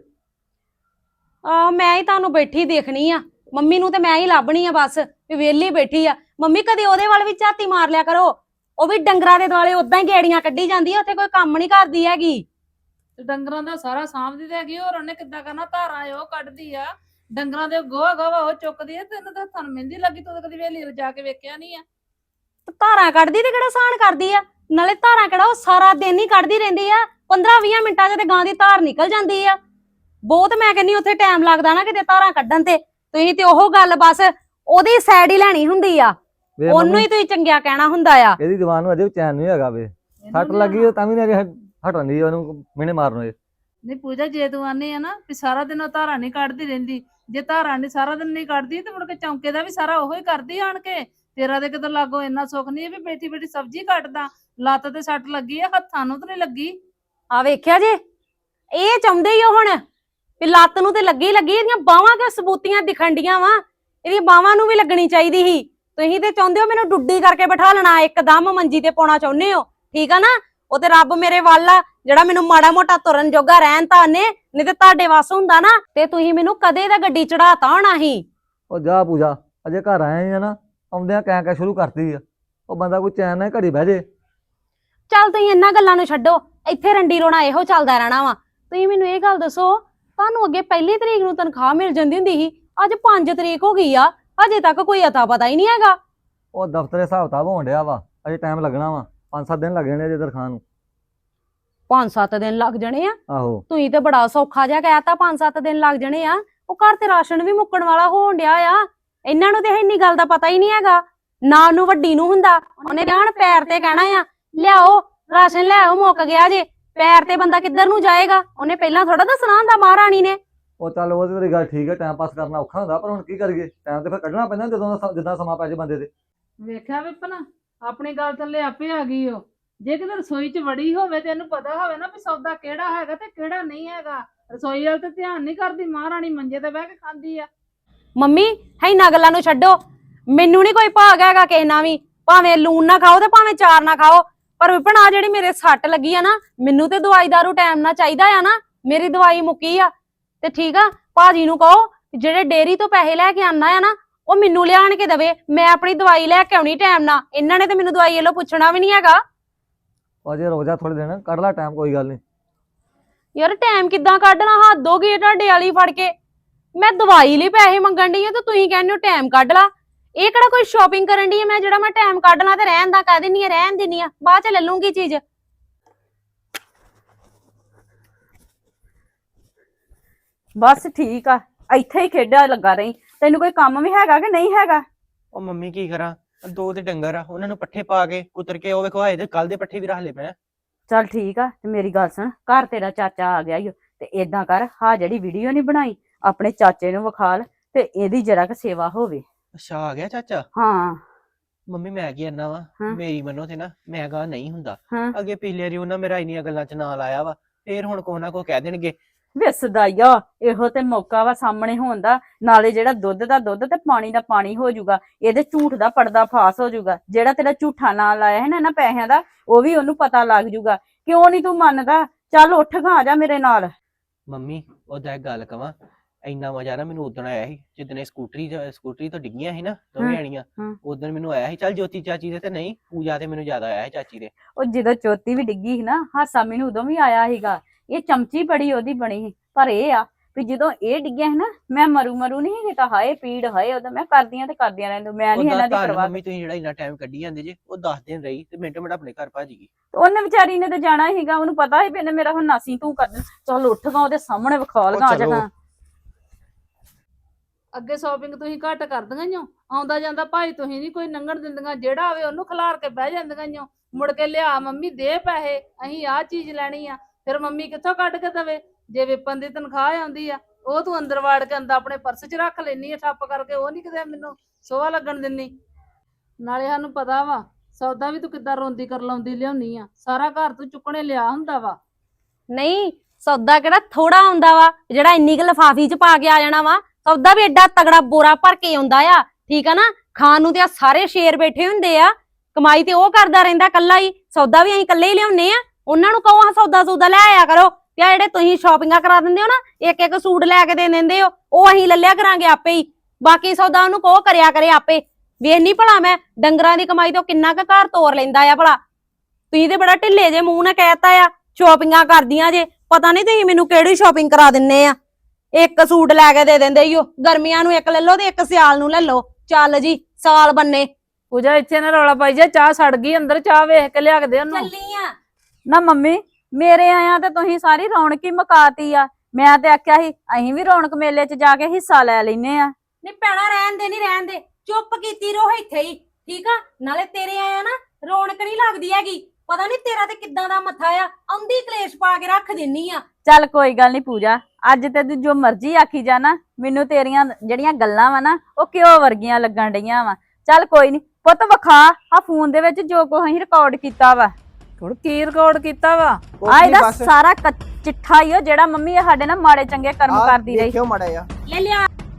Speaker 5: ਆਹ ਮੈਂ ਹੀ ਤੁਹਾਨੂੰ ਬੈਠੀ ਦੇਖਣੀ ਆ, ਮੰਮੀ ਨੂੰ ਤੇ ਮੈਂ ਹੀ ਲੱਭਣੀ ਆ ਬਸ ਵੀ ਵਿਹਲੀ ਬੈਠੀ ਆ। ਮੰਮੀ ਕਦੇ ਉਹਦੇ ਵੱਲ ਵੀ ਝਾਤੀ ਮਾਰ ਲਿਆ ਕਰੋ, ਉਹ ਵੀ ਡੰਗਰਾਂ ਦੇ ਦੁਆਲੇ ਉਦਾਂ ਹੀ ਗੇੜੀਆਂ ਕੱਢੀ ਜਾਂਦੀ ਆ, ਉੱਥੇ ਕੋਈ ਕੰਮ ਨਹੀਂ ਕਰਦੀ ਹੈਗੀ।
Speaker 4: ਤੇ ਡੰਗਰਾਂ ਦਾ ਸਾਰਾ ਸਾਂਭਦੀ ਤੇ ਹੈਗੀ, ਹੋਰ ਉਹਨੇ ਕਿੱਦਾਂ ਕਰਨਾ? ਧਾਰਾਂ ਉਹ ਕੱਢਦੀ ਆ, ਡੰਗਰਾਂ ਦੇ ਗੋਹਾ ਗਾਵਾ ਉਹ ਚੁੱਕਦੀ ਆ, ਤੈਨੂੰ ਤਾਂ ਹੱਥਾਂ ਨੂੰ ਮਹਿੰਦੀ ਲੱਗੀ, ਤੂੰ ਤਾਂ ਕਦੀ ਵੇਲੀ ਜਾ ਕੇ ਵੇਖਿਆ ਨਹੀਂ ਆ।
Speaker 5: ਤੇ ਧਾਰਾਂ ਕੱਢਦੀ ਤੇ ਕਿਹੜਾ ਸਾਨ ਕਰਦੀ ਆ? ਨਾਲੇ ਧਾਰਾਂ ਕਿਹੜਾ ਉਹ ਸਾਰਾ ਦਿਨ ਹੀ ਕੱਢਦੀ ਰਹਿੰਦੀ ਆ, ਪੰਦਰਾਂ ਵੀਹ ਮਿੰਟਾਂ 'ਚ ਤੇ ਗਾਂ ਦੀ ਧਾਰ ਨਿਕਲ ਜਾਂਦੀ ਆ। ਬਹੁਤ ਮੈਂ ਕਹਿੰਨੀ ਉੱਥੇ ਟਾਈਮ ਲੱਗਦਾ ਨਾ ਕਿਤੇ ਧਾਰਾਂ ਕੱਢਣ ਤੇ। ਤੁਸੀਂ ਤੇ ਉਹ ਗੱਲ ਬਸ ਉਹਦੀ ਸਾਈਡ ਹੀ ਲੈਣੀ ਹੁੰਦੀ ਆ,
Speaker 6: ਵੇ
Speaker 5: ਉਹਨੂੰ
Speaker 6: ਮੰਮੀ
Speaker 5: ਹੀ ਤੁਸੀਂ ਚੰਗਿਆ ਕਹਿਣਾ ਹੁੰਦਾ ਆ।
Speaker 6: ਇਹਦੀ ਜ਼ਬਾਨ ਨੂੰ ਅਜੇ ਵੀ ਚੈਨ ਨਹੀਂ ਹੈਗਾ ਵੇ, ਸੱਟ ਲੱਗੀ ਤਾਂ ਵੀ ਨਹੀਂ ਹਟਣ ਦੀ ਉਹਨੂੰ ਮਿਹਣੇ ਮਾਰਨ ਇਹ।
Speaker 4: ਨਹੀਂ ਪੂਜਾ, ਜੇ ਤੂੰ ਆਨੀ ਆ ਨਾ ਵੀ ਸਾਰਾ ਦਿਨ ਉਹ ਧਾਰਾਂ ਨਹੀਂ ਕੱਢਦੀ ਰਹਿੰਦੀ, ਜੇ ਧਾਰਾਂ ਨਹੀਂ ਸਾਰਾ ਦਿਨ ਨਹੀਂ ਕੱਢਦੀ ਤੇ ਮੁੜ ਕੇ ਚੌਂਕੇ ਦਾ ਵੀ ਸਾਰਾ ਉਹੋ ਹੀ ਕਰਦੀ ਆਣ ਕੇ। ਤੇਰਾ ਤੇ ਕਿਤੇ ਲਾਗੋ ਇੰਨਾ ਸੁੱਖ ਨਹੀਂ ਵੀ ਬੈਠੀ ਬੈਠੀ ਸਬਜ਼ੀ ਕੱਟਦਾ, ਲੱਤ ਤੇ ਸੱਟ ਲੱਗੀ ਆ, ਹੱਥਾਂ ਨੂੰ ਤਾਂ ਨਹੀਂ ਲੱਗੀ।
Speaker 5: ਆ ਵੇਖਿਆ ਜੇ, ਇਹ ਚਾਹੁੰਦੇ ਹੀ ਉਹ ਹੁਣ ਵੀ ਲੱਤ ਨੂੰ ਤੇ ਲੱਗੀ ਲੱਗੀ, ਇਹਦੀਆਂ ਬਾਹਾਂ ਕਿ ਸਬੂਤੀਆਂ ਦਿਖਣ ਡੀਆਂ ਵਾ, ਇਹਦੀਆਂ ਬਾਹਾਂ ਨੂੰ ਵੀ ਲੱਗਣੀ ਚਾਹੀਦੀ ਸੀ। ਤੁਸੀਂ ਤੇ ਚਾਹੁੰਦੇ ਹੋ ਮੈਨੂੰ ਡੁੱਡੀ ਕਰਕੇ ਬਿਠਾ ਲੈਣਾ, ਇੱਕਦਮ ਮੰਜੀ ਤੇ ਪਾਉਣਾ ਚਾਹੁੰਦੇ ਹੋ, ਠੀਕ ਆ ਨਾ? ਉਹ ਤੇ ਰੱਬ ਮੇਰੇ ਵੱਲ ਆ ਜਿਹੜਾ ਮੈਨੂੰ ਮਾੜਾ ਮੋਟਾ ਤੁਰਨ ਜੋਗਾ ਰਹਿਣ ਤਾਂ ਨੇ, ਨਹੀਂ ਤੇ ਤੁਹਾਡੇ ਵੱਸ ਹੁੰਦਾ ਨਾ ਤੇ ਤੁਸੀਂ ਮੈਨੂੰ ਕਦੇ ਦਾ ਗੱਡੀ ਚੜਾਤਾ ਹੋਣਾ ਸੀ।
Speaker 6: ਉਹ ਜਾ ਪੂਜਾ, ਅਜੇ ਘਰ ਆਏ ਆ ਨਾ, ਆਉਂਦਿਆਂ ਕਹਿ ਕਹਿ ਸ਼ੁਰੂ ਕਰਤੀ ਆ। ਉਹ ਬੰਦਾ ਕੋਈ ਚੈਨ ਨਾਲ ਘੜੀ ਬਹਿ ਜੇ।
Speaker 5: ਚੱਲ ਤੁਸੀਂ ਇਹਨਾਂ ਗੱਲਾਂ ਨੂੰ ਛੱਡੋ, ਇੱਥੇ ਰੰਡੀ ਰੋਣਾ ਇਹੋ ਚੱਲਦਾ ਰਹਿਣਾ ਵਾ। ਤੁਸੀਂ ਮੈਨੂੰ ਇਹ ਗੱਲ ਦੱਸੋ, ਤੁਹਾਨੂੰ ਅੱਗੇ ਪਹਿਲੀ ਤਰੀਕ ਨੂੰ ਤਨਖਾਹ ਮਿਲ ਜਾਂਦੀ ਹੁੰਦੀ ਸੀ, ਅੱਜ ਪੰਜ ਤਰੀਕ ਹੋ ਗਈ ਆ, ਅਜੇ ਤੱਕ ਕੋਈ ਅਤਾ ਪਤਾ ਹੀ ਨਹੀਂ ਹੈਗਾ।
Speaker 6: ਉਹ ਦਫ਼ਤਰ ਦੇ ਹਿਸਾਬ ਕਿਤਾਬ ਹੋਣ ਡਿਆ ਵਾ, ਅਜੇ ਟਾਈਮ ਲੱਗਣਾ ਵਾ, ਪੰਜ ਸੱਤ ਦਿਨ ਲੱਗ ਜਾਣੇ ਅਜੇ ਤਨਖਾਹ ਨੂੰ।
Speaker 5: ਪੰਜ ਸੱਤ ਦਿਨ ਲੱਗ ਜਾਣੇ ਆ?
Speaker 6: ਆਹੋ
Speaker 5: ਤੁਸੀਂ ਤੇ ਬੜਾ ਸੌਖਾ ਜਿਹਾ ਕਹਿਤਾ ਪੰਜ ਸੱਤ ਦਿਨ ਲੱਗ ਜਾਣੇ ਆ। ਉਹ ਘਰ ਤੇ ਰਾਸ਼ਨ ਵੀ ਮੁੱਕਣ ਵਾਲਾ ਹੋਣ ਡਿਆ ਆ, ਇਹਨਾਂ ਨੂੰ ਤੇ ਇੰਨੀ ਗੱਲ ਦਾ ਪਤਾ ਹੀ ਨਹੀਂ ਹੈਗਾ। ਨਾ ਉਹਨੂੰ ਵੱਡੀ ਨੂੰ ਹੁੰਦਾ, ਉਹਨੇ ਜਾਣ ਪੈਰ ਤੇ ਕਹਿਣਾ ਆ ਲਿਆਓ ਰਾਸ਼ਨ, ਲਿਆਓ ਮੁੱਕ ਗਿਆ ਜੇ। ਪੈਰ ਤੇ ਬੰਦਾ ਕਿੱਧਰ ਨੂੰ ਜਾਏਗਾ? ਉਹਨੇ ਪਹਿਲਾਂ ਥੋੜਾ ਦੱਸਣਾ ਹੁੰਦਾ ਮਹਾਰਾਣੀ ਨੇ।
Speaker 6: ਉਹ ਚੱਲ ਉਹ ਤੇ ਤੇਰੀ ਗੱਲ ਠੀਕ ਹੈ, ਟਾਈਮ ਪਾਸ ਕਰਨਾ ਔਖਾ ਹੁੰਦਾ, ਪਰ ਹੁਣ ਕੀ ਕਰੀਏ, ਟਾਈਮ ਤੇ ਫਿਰ ਕੱਢਣਾ ਪੈਂਦਾ ਜਦੋਂ ਦਾ- ਜਿੱਦਾਂ ਸਮਾਂ ਪੈ ਜੇ ਬੰਦੇ ਤੇ।
Speaker 4: ਵੇਖਿਆ ਵਿਪਨ ਆਪਣੀ ਗੱਲ ਥੱਲੇ ਆਪੇ ਆ ਗਈ ਓ। ਜੇ ਕਿਤੇ ਰਸੋਈ 'ਚ ਵੜੀ ਹੋਵੇ ਤੇ ਇਹਨੂੰ ਪਤਾ ਹੋਵੇ ਨਾ ਵੀ ਸੌਦਾ ਕਿਹੜਾ ਹੈਗਾ ਤੇ ਕਿਹੜਾ ਨਹੀਂ ਹੈਗਾ। ਰਸੋਈ ਵੱਲ ਤੇ ਧਿਆਨ ਨਹੀਂ ਕਰਦੀ, ਮਹਾਰਾਣੀ ਮੰਜੇ ਤੇ ਬਹਿ ਕੇ ਖਾਂਦੀ ਆ।
Speaker 5: ਮੰਮੀ ਇਹਨਾਂ ਗੱਲਾਂ ਨੂੰ ਛੱਡੋ, ਮੈਨੂੰ ਨਹੀਂ ਕੋਈ ਭਾਗ ਹੈਗਾ ਕਿਸੇ ਨਾਲ ਵੀ, ਭਾਵੇਂ ਲੂਣ ਨਾ ਖਾਓ ਤੇ ਭਾਵੇਂ ਚਾਰ ਨਾ ਖਾਓ, ਪਰ ਵਿਪਨ ਆ ਜਿਹੜੀ ਮੇਰੇ ਸੱਟ ਲੱਗੀ ਆ ਨਾ, ਮੈਨੂੰ ਤੇ ਦਵਾਈ ਦਾਰੂ ਟਾਈਮ ਨਾਲ ਚਾਹੀਦਾ ਆ ਨਾ। ਮੇਰੀ ਦਵਾਈ ਮੁੱਕੀ ਆ ਤੇ ਠੀਕ ਆ, ਭਾਜੀ ਨੂੰ ਕਹੋ ਜਿਹੜੇ ਡੇਅਰੀ ਤੋਂ ਪੈਸੇ ਲੈ ਕੇ ਆਣਾ ਆ ਨਾ ਉਹ ਮੈਨੂੰ ਲਿਆਣ ਕੇ ਦੇਵੇ, ਮੈਂ ਆਪਣੀ ਦਵਾਈ ਲੈ ਕੇ ਆਉਣੀ ਟਾਈਮ ਨਾਲ। ਇਹਨਾਂ ਨੇ ਤੇ ਮੈਨੂੰ ਦਵਾਈ ਵੱਲੋਂ ਪੁੱਛਣਾ ਵੀ ਨਹੀਂ ਹੈਗਾ।
Speaker 6: ਅਜੇ ਰੁਕ ਜਾ ਥੋੜੇ ਦਿਨ, ਕੱਢ ਲੈ ਟਾਈਮ, ਕੋਈ ਗੱਲ ਨਹੀਂ।
Speaker 5: ਯਾਰ ਟਾਈਮ ਕਿੱਦਾਂ ਕੱਢਣਾ, ਹੱਦ ਹੋ ਗਈ ਤੁਹਾਡੇ ਵਾਲੀ ਫੜ ਕੇ। ਮੈਂ ਦਵਾਈ ਲਈ ਪੈਸੇ ਮੰਗਣ ਡਈ ਆ ਤੇ ਤੁਸੀਂ ਕਹਿੰਦੇ ਹੋ ਟਾਈਮ ਕੱਢ ਲਾ। ਇਹ ਕਿਹੜਾ ਕੋਈ ਸ਼ਾਪਿੰਗ ਕਰਨ ਡਈ ਆ ਮੈਂ ਜਿਹੜਾ ਮੈਂ ਟਾਈਮ ਕੱਢ ਲਾ ਤੇ ਰਹਿਣ ਦਾ ਕਹਿ ਦਿੰਨੀ ਆ, ਰਹਿਣ ਦਿੰਨੀ ਆ, ਬਾਅਦ ਚ ਲੈ ਲੂੰਗੀ ਚੀਜ਼।
Speaker 1: ਬਸ ਠੀਕ ਆ, ਇੱਥੇ ਹੀ ਖੇਡਿਆ ਲੱਗਾ ਰਹੀ। ਤੈਨੂੰ ਕੋਈ ਕੰਮ ਵੀ ਹੈਗਾ ਕਿ ਨਹੀਂ ਹੈਗਾ?
Speaker 2: ਉਹ ਮੰਮੀ ਕੀ ਕਰਾਂ, ਦੋ ਤੇ ਡੰਗਰ ਆ, ਉਹਨਾਂ ਨੂੰ ਪੱਠੇ ਪਾ ਕੇ ਕੁਤਰ ਕੇ ਉਹ ਵੇਖੋ ਆਏ ਤੇ ਕੱਲ ਦੇ ਪੱਠੇ ਵੀ ਰੱਖ ਲਏ ਪਏ ਆ।
Speaker 1: ਚੱਲ ਠੀਕ ਆ, ਤੇ ਮੇਰੀ ਗੱਲ ਸੁਣ, ਘਰ ਤੇਰਾ ਚਾਚਾ ਆ ਗਿਆ ਈ ਓ, ਤੇ ਏਦਾਂ ਕਰ, ਹਾਂ ਜਿਹੜੀ ਵੀਡੀਓ ਨਹੀਂ ਬਣਾਈ ਆਪਣੇ ਚਾਚੇ ਨੂੰ ਵਿਖਾਲ ਤੇ ਇਹਦੀ ਜਰਾ ਕੁ ਸੇਵਾ ਹੋਵੇ।
Speaker 2: ਅੱਛਾ ਆ ਗਿਆ ਚਾਚਾ।
Speaker 1: ਹਾਂ
Speaker 2: ਮੰਮੀ ਮੈਂ ਕੀ ਕਰਨਾ ਵਾ,
Speaker 1: ਹਾਂ।
Speaker 2: ਮੇਰੀ ਮੰਨੋ ਤੇ ਨਾ ਮੈਂ ਕਹਾ ਨਹੀਂ ਹੁੰਦਾ।
Speaker 1: ਹਾਂ।
Speaker 2: ਅੱਗੇ ਪਿਛਲੇ ਵਾਰੀ ਉਹਨਾਂ ਮੇਰਾ ਇੰਨੀਆਂ ਗੱਲਾਂ ਚ ਨਾਂ ਲਾਇਆ ਵਾ, ਫੇਰ ਹੁਣ ਕੋ ਨਾ ਕੋ ਕਹਿ ਦੇਣਗੇ।
Speaker 1: ਵੇ ਸਦਾਈਆ, ਇਹੋ ਤੇ ਮੌਕਾ ਵਾ ਸਾਹਮਣੇ ਹੋਣ ਦਾ, ਨਾਲੇ ਜਿਹੜਾ ਦੁੱਧ ਦਾ ਦੁੱਧ ਤੇ ਪਾਣੀ ਦਾ ਪਾਣੀ ਹੋ ਜਾਊਗਾ, ਇਹਦੇ ਝੂਠ ਦਾ ਪਰਦਾ ਫਾਸ ਹੋ ਜਾਊਗਾ। ਜਿਹੜਾ ਤੇਰਾ ਝੂਠਾ ਨਾਂ ਲਾਇਆ ਹੈ ਨਾ ਇਹਨਾਂ ਪੈਸਿਆਂ ਦਾ, ਉਹ ਵੀ ਉਹਨੂੰ ਪਤਾ ਲੱਗ ਜਾਊਗਾ। ਕਿਉਂ ਨਹੀਂ ਤੂੰ ਮੰਨਦਾ? ਚੱਲ ਉੱਠ ਗਾ, ਆ ਜਾ ਮੇਰੇ ਨਾਲ।
Speaker 2: ਮੰਮੀ ਉਹਦਾ ਇੱਕ ਗੱਲ ਕਵਾਂ, ਇੰਨਾ ਮਜ਼ਾ ਨਾ ਮੈਨੂੰ ਉਦਣ ਆਇਆ ਸੀ ਜਿੱਦਣ ਇਹ ਸਕੂਟਰੀ ਸਕੂਟਰੀ ਤੋਂ ਡਿੱਗੀਆਂ ਸੀ ਨਾ ਦੋਵੇਂ ਆਣੀਆਂ,
Speaker 1: ਹਾਂ।
Speaker 2: ਉਦਣ ਮੈਨੂੰ ਆਇਆ ਸੀ। ਚੱਲ ਜੋਤੀ ਚਾਚੀ ਦੇ ਤੇ ਨਹੀਂ, ਪੂਜਾ ਤੇ ਮੈਨੂੰ ਜ਼ਿਆਦਾ ਆਇਆ ਸੀ ਚਾਚੀ ਦੇ।
Speaker 1: ਉਹ ਜਦੋਂ ਚੋਤੀ ਵੀ ਡਿੱਗੀ ਸੀ ਨਾ, ਹਾਸਾ ਮੈਨੂੰ ਉਦੋਂ ਵੀ ਆਇਆ ਸੀਗਾ। ਇਹ ਚਮਚੀ ਬੜੀ ਉਹਦੀ ਬਣੀ ਸੀ, ਪਰ ਇਹ ਆ ਵੀ ਜਦੋਂ ਇਹ ਡਿੱਗਿਆ ਸੀ ਨਾ, ਮੈਂ ਮਰੂ ਮਰੂ ਨਹੀਂ ਕੀਤਾ, ਹਾਏ ਪੀੜ ਹਾਏ, ਉਦੋਂ ਮੈਂ ਕਰਦੀਆਂ ਤੇ ਕਰਦੀਆਂ ਰਹਿੰਦੀ, ਮੈਂ ਨਹੀਂ ਇਹਨਾਂ ਦੀ
Speaker 2: ਉਹਦਾ
Speaker 1: ਪਰਵਾਹ।
Speaker 2: ਮੰਮੀ ਤੁਸੀਂ ਜਿਹੜਾ ਇੰਨਾ ਟਾਈਮ ਕੱਢੀ ਜਾਂਦੇ ਜੇ, ਉਹ ਦਸ ਦਿਨ ਰਹੀ ਤੇ ਮਿੰਟੋ ਮਿੰਟ ਆਪਣੇ ਘਰ ਭੱਜ ਗਈ।
Speaker 1: ਉਹਨੇ ਵਿਚਾਰੀ ਨੇ ਤੇ ਜਾਣਾ ਸੀਗਾ, ਉਹਨੂੰ ਪਤਾ ਸੀ ਵੀ ਇਹਨੇ ਮੇਰਾ ਹੁਣ ਨਾਸੀ ਤੂੰ ਕਰ। ਚੱਲ ਉੱਠ ਗਾ, ਉਹਦੇ ਸਾਹਮਣੇ ਵਿਖਾ ਲਗਾ ਆ ਜਾਣਾ।
Speaker 4: ਅੱਗੇ ਸ਼ਾਪਿੰਗ ਤੁਸੀਂ ਘੱਟ ਕਰਦੀਆਂ ਈ ਓ, ਆਉਂਦਾ ਜਾਂਦਾ ਭਾਈ ਤੁਸੀਂ ਨਹੀਂ ਕੋਈ ਲੰਘਣ ਦਿੰਦੀਆਂ, ਜਿਹੜਾ ਆਵੇ ਉਹਨੂੰ ਖਿਲਾਰ ਕੇ ਬਹਿ ਜਾਂਦੀਆਂ ਈ ਓ। ਮੁੜ ਕੇ ਲਿਆ ਮੰਮੀ ਦੇ ਪੈਸੇ, ਅਸੀਂ ਆਹ ਚੀਜ਼ ਲੈਣੀ ਆ, ਫਿਰ ਮੰਮੀ ਕਿੱਥੋਂ ਕੱਢ ਕੇ ਦੇਵੇ? ਜੇ ਵਿਪਨ ਦੀ ਤਨਖਾਹ ਆਉਂਦੀ ਆ, ਉਹ ਤੂੰ ਅੰਦਰ ਵਾੜ ਕੇ ਅੰਦਰ ਆਪਣੇ ਪਰਸ 'ਚ ਰੱਖ ਲੈਣੀ ਆ ਠੱਪ ਕਰਕੇ, ਉਹ ਨਹੀਂ ਕਿਤੇ ਮੈਨੂੰ ਸੋਹਾ ਲੱਗਣ ਦਿੰਦੀ। ਨਾਲੇ ਸਾਨੂੰ ਪਤਾ ਵਾ ਸੌਦਾ ਵੀ ਤੂੰ ਕਿੱਦਾਂ ਰੋਂਦੀ ਕਰ ਲਾਉਂਦੀ ਲਿਆਉਣੀ ਆ, ਸਾਰਾ ਘਰ ਤੂੰ ਚੁੱਕਣੇ ਲਿਆ ਹੁੰਦਾ ਵਾ।
Speaker 5: ਨਹੀਂ ਸੌਦਾ ਕਿਹੜਾ ਥੋੜਾ ਆਉਂਦਾ ਵਾ ਜਿਹੜਾ ਇੰਨੀ ਕੁ ਲਿਫਾਫੀ 'ਚ ਪਾ ਕੇ ਆ ਜਾਣਾ ਵਾ। ਸੌਦਾ ਵੀ ਐਡਾ ਤਗੜਾ ਬੋਰਾ ਭਰ ਕੇ ਆਉਂਦਾ ਆ, ਠੀਕ ਆ ਨਾ। ਖਾਣ ਨੂੰ ਤੇ ਆ ਸਾਰੇ ਸ਼ੇਰ ਬੈਠੇ ਹੁੰਦੇ ਆ, ਕਮਾਈ ਤੇ ਉਹ ਕਰਦਾ ਰਹਿੰਦਾ ਕੱਲਾ ਹੀ, ਸੌਦਾ ਵੀ ਅਸੀਂ ਕੱਲੇ ਹੀ ਲਿਆਉਨੇ ਆ। ਉਹਨਾਂ ਨੂੰ ਕਹੋ ਹਾਂ ਸੌਦਾ ਸੌਦਾ ਲੈ ਆਇਆ ਕਰੋ, ਤੇ ਜਿਹੜੇ ਤੁਸੀਂ ਸ਼ਾਪਿੰਗਾਂ ਕਰਾ ਦਿੰਦੇ ਹੋ ਨਾ, ਇੱਕ ਇੱਕ ਸੂਟ ਲੈ ਕੇ ਦੇ ਦਿੰਦੇ ਹੋ, ਉਹ ਅਸੀਂ ਲੈ ਲਿਆ ਕਰਾਂਗੇ ਆਪੇ ਹੀ। ਬਾਕੀ ਸੌਦਾ ਉਹਨੂੰ ਕਹੋ ਕਰਿਆ ਕਰੇ ਆਪੇ। ਵੇਖਨੀ ਭਲਾ ਮੈਂ ਡੰਗਰਾਂ ਦੀ ਕਮਾਈ ਤੋਂ ਕਿੰਨਾ ਕੁ ਘਰ ਤੋਰ ਲੈਂਦਾ ਆ ਭਲਾ। ਤੁਸੀਂ ਤੇ ਬੜਾ ਢਿੱਲੇ ਜੇ ਮੂੰਹ ਨਾਲ ਕਹਿਤਾ ਆ ਸ਼ਾਪਿੰਗਾਂ ਕਰਦੀਆਂ ਜੇ, ਪਤਾ ਨਹੀਂ ਤੁਸੀਂ ਮੈਨੂੰ ਕਿਹੜੀ ਸ਼ਾਪਿੰਗ ਕਰਾ ਦਿੰਨੇ ਆ। ਇੱਕ ਸੂਟ ਲੈ ਕੇ ਦੇ ਦਿੰਦੇ ਈ ਓ, ਗਰਮੀਆਂ ਨੂੰ ਇੱਕ ਲੈ ਲਓ ਤੇ ਇੱਕ ਸਿਆਲ ਨੂੰ ਲੈ ਲਓ, ਚੱਲ ਜੀ ਸਾਲ ਬੰਨੇ।
Speaker 4: ਪੂਜਾ ਇੱਥੇ ਨਾ ਰੌਲਾ ਪਾਈ ਜਾ, ਚਾਹ ਸੜ ਗਈ ਅੰਦਰ, ਚਾਹ ਵੇਖ ਕੇ ਲਿਆ ਕੇ ਦੇ ਉਹਨੂੰ।
Speaker 5: ਚੱਲੀ ਆ
Speaker 1: ਨਾ ਮੰਮੀ, ਮੇਰੇ ਆਇਆ ਤੇ ਤੁਸੀਂ ਸਾਰੀ ਰੌਣਕ ਹੀ ਮੁਕਾਤੀ ਆ। ਮੈਂ ਤੇ ਆਖਿਆ ਸੀ ਅਸੀਂ ਵੀ ਰੌਣਕ ਮੇਲੇ 'ਚ ਜਾ ਕੇ ਹਿੱਸਾ ਲੈ ਲੈਨੇ ਆ।
Speaker 5: ਨਹੀਂ ਭੈਣਾ ਰਹਿਣ ਦੇ, ਨਹੀਂ ਰਹਿਣ ਦੇ, ਚੁੱਪ ਕੀਤੀ ਰਹੋ ਇੱਥੇ ਹੀ, ਠੀਕ ਆ। ਨਾਲੇ ਤੇਰੇ ਆਇਆ ਨਾ ਰੌਣਕ ਨਹੀਂ ਲੱਗਦੀ ਹੈਗੀ, ਪਤਾ ਨਹੀਂ ਤੇਰਾ ਤੇ ਕਿੱਦਾਂ ਦਾ ਮੱਥਾ ਆ, ਆਉਂਦੀ ਕਲੇਸ਼ ਪਾ ਕੇ ਰੱਖ ਦਿੰਨੀ ਆ।
Speaker 1: ਚੱਲ ਕੋਈ ਗੱਲ ਨਹੀਂ ਪੂਜਾ, ਅੱਜ ਤੇ ਤੂੰ ਜੋ ਮਰਜ਼ੀ ਆਖੀ ਜਾ ਨਾ, ਮੈਨੂੰ ਤੇਰੀਆਂ ਜਿਹੜੀਆਂ ਗੱਲਾਂ ਵਾ ਨਾ ਉਹ ਘਿਓ ਵਰਗੀਆਂ ਲੱਗਣ ਡਈਆਂ ਵਾ। ਚੱਲ ਕੋਈ ਨਹੀਂ ਪੁੱਤ, ਵਿਖਾ ਆ ਫੋਨ ਦੇ ਵਿੱਚ ਜੋ ਕੁਝ ਅਸੀਂ ਰਿਕਾਰਡ ਕੀਤਾ ਵਾ।
Speaker 4: ਹੁਣ ਕੀ ਰਿਕਾਰਡ ਕੀਤਾ ਵਾ?
Speaker 1: ਆ ਇਹਦਾ ਸਾਰਾ ਕ- ਚਿੱਠਾ ਹੀ ਉਹ ਜਿਹੜਾ ਮੰਮੀ ਇਹ ਸਾਡੇ ਨਾਲ ਮਾੜੇ ਚੰਗੇ ਕਰਮ ਕਰਦੀ ਰਹੀ।
Speaker 2: ਦੇਖਿਓ ਮਾੜਾ ਜਿਹਾ।
Speaker 5: ਲੈ ਲਿਆ